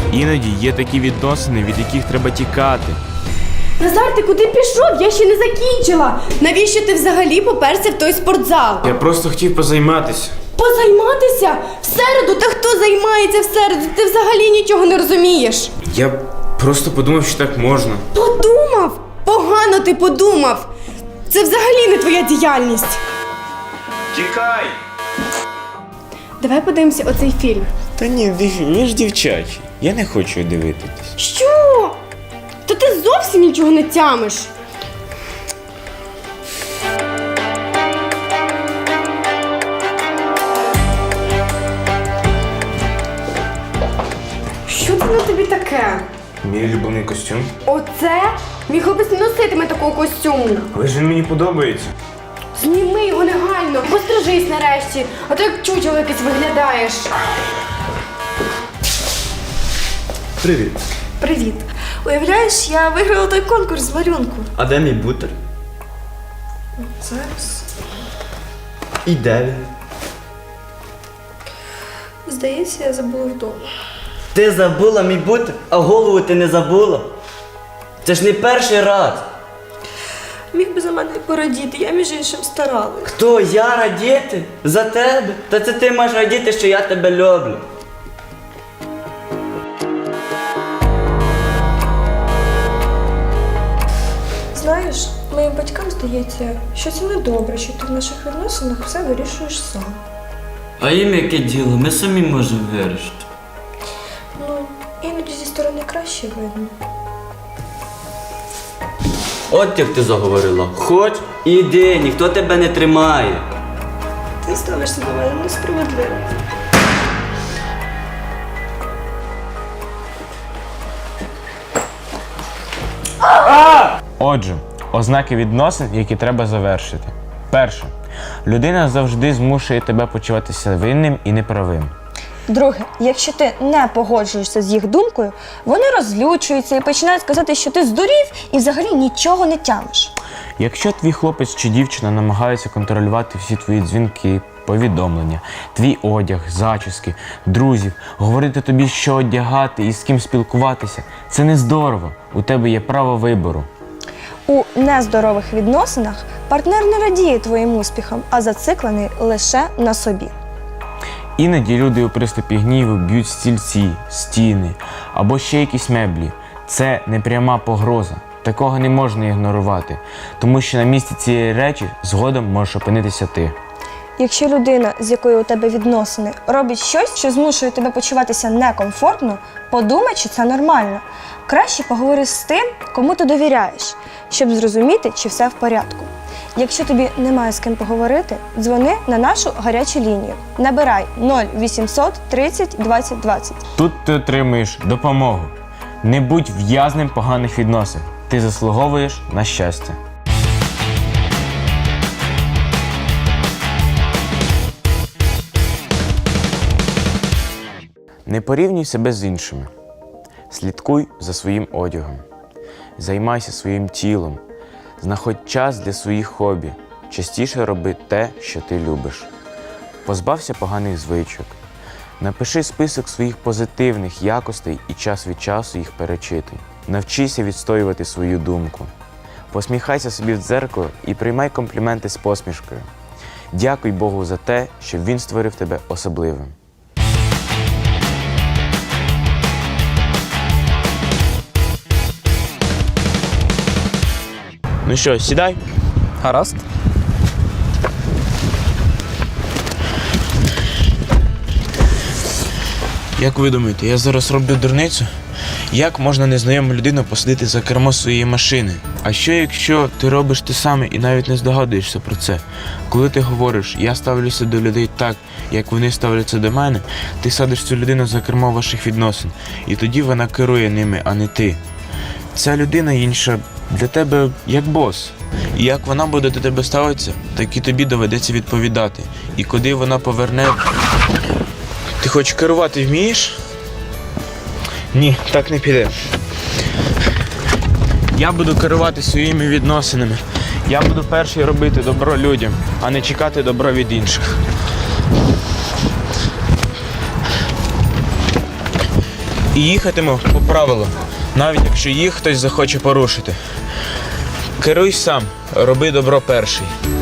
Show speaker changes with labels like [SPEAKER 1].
[SPEAKER 1] Іноді є такі відносини, від яких треба тікати.
[SPEAKER 2] Назар, ти куди пішов? Я ще не закінчила. Навіщо ти взагалі поперся в той спортзал?
[SPEAKER 1] Я просто хотів позайматися.
[SPEAKER 2] Позайматися? В середу? Та хто займається в середу? Ти взагалі нічого не розумієш.
[SPEAKER 1] Я просто подумав, що так можна.
[SPEAKER 2] Подумав? Погано ти подумав. Це взагалі не твоя діяльність.
[SPEAKER 1] Тікай!
[SPEAKER 2] Давай подивимося оцей фільм.
[SPEAKER 1] Та ні, він ж дівчачий. Я не хочу дивитись.
[SPEAKER 2] Що? Та ти зовсім нічого не тямиш. Що це на тобі таке?
[SPEAKER 1] Мій улюблений костюм.
[SPEAKER 2] Оце? Мій хлопець не носитиме такого костюму.
[SPEAKER 1] Але ж він мені подобається.
[SPEAKER 2] Зніми його негайно, пострижись нарешті, а то як чучело якесь виглядаєш.
[SPEAKER 3] Привіт.
[SPEAKER 4] Привіт. Уявляєш, я виграла той конкурс з малюнку.
[SPEAKER 3] А де мій бутер?
[SPEAKER 4] Зараз.
[SPEAKER 3] І де він?
[SPEAKER 4] Здається, я забула вдома.
[SPEAKER 3] Ти забула мій бутер, а голову ти не забула? Це ж не перший раз.
[SPEAKER 4] Міг би за мене порадіти, я між іншим старалась.
[SPEAKER 3] Хто, я радіти? За тебе? Та це ти маєш радіти, що я тебе люблю.
[SPEAKER 4] Знаєш, моїм батькам здається, що це не добре, що ти в наших відносинах все вирішуєш сам.
[SPEAKER 3] А їм яке діло? Ми самі можемо вирішити.
[SPEAKER 4] Ну, іноді зі сторони краще видно.
[SPEAKER 3] От як ти заговорила. Хоч іди, ніхто тебе не тримає.
[SPEAKER 4] Ти ставишся до мене несправедливо.
[SPEAKER 1] Отже, ознаки відносин, які треба завершити. Перше. Людина завжди змушує тебе почуватися винним і неправим.
[SPEAKER 5] Друге, якщо ти не погоджуєшся з їх думкою, вони розлючуються і починають сказати, що ти здурів і взагалі нічого не тямиш.
[SPEAKER 1] Якщо твій хлопець чи дівчина намагаються контролювати всі твої дзвінки, повідомлення, твій одяг, зачіски, друзів, говорити тобі, що одягати і з ким спілкуватися, це не здорово. У тебе є право вибору.
[SPEAKER 5] У нездорових відносинах партнер не радіє твоїм успіхам, а зациклений лише на собі.
[SPEAKER 1] Іноді люди у приступі гніву б'ють стільці, стіни або ще якісь меблі. Це непряма погроза. Такого не можна ігнорувати, тому що на місці цієї речі згодом можеш опинитися ти.
[SPEAKER 5] Якщо людина, з якою у тебе відносини, робить щось, що змушує тебе почуватися некомфортно, подумай, чи це нормально. Краще поговори з тим, кому ти довіряєш, щоб зрозуміти, чи все в порядку. Якщо тобі немає з ким поговорити, дзвони на нашу гарячу лінію. Набирай 0800 30 20 20.
[SPEAKER 1] Тут ти отримуєш допомогу. Не будь в'язнем поганих відносин. Ти заслуговуєш на щастя. Не порівнюй себе з іншими. Слідкуй за своїм одягом. Займайся своїм тілом. Знаходь час для своїх хобі. Частіше роби те, що ти любиш. Позбався поганих звичок. Напиши список своїх позитивних якостей і час від часу їх перечитуй. Навчися відстоювати свою думку. Посміхайся собі в дзеркало і приймай компліменти з посмішкою. Дякуй Богу за те, що Він створив тебе особливим. Ну що, сідай?
[SPEAKER 6] Гаразд.
[SPEAKER 1] Як ви думаєте, я зараз роблю дурницю? Як можна незнайому людину посадити за кермо своєї машини? А що якщо ти робиш те саме і навіть не здогадуєшся про це? Коли ти говориш, я ставлюся до людей так, як вони ставляться до мене, ти садиш цю людину за кермо ваших відносин. І тоді вона керує ними, а не ти. Ця людина інша для тебе як бос. І як вона буде до тебе ставитися, так і тобі доведеться відповідати. І коли вона поверне... Ти хоч керувати вмієш? Ні, так не піде. Я буду керувати своїми відносинами. Я буду перший робити добро людям, а не чекати добро від інших. І їхатиму по правилам, навіть якщо їх хтось захоче порушити. Керуй сам, роби добро перший.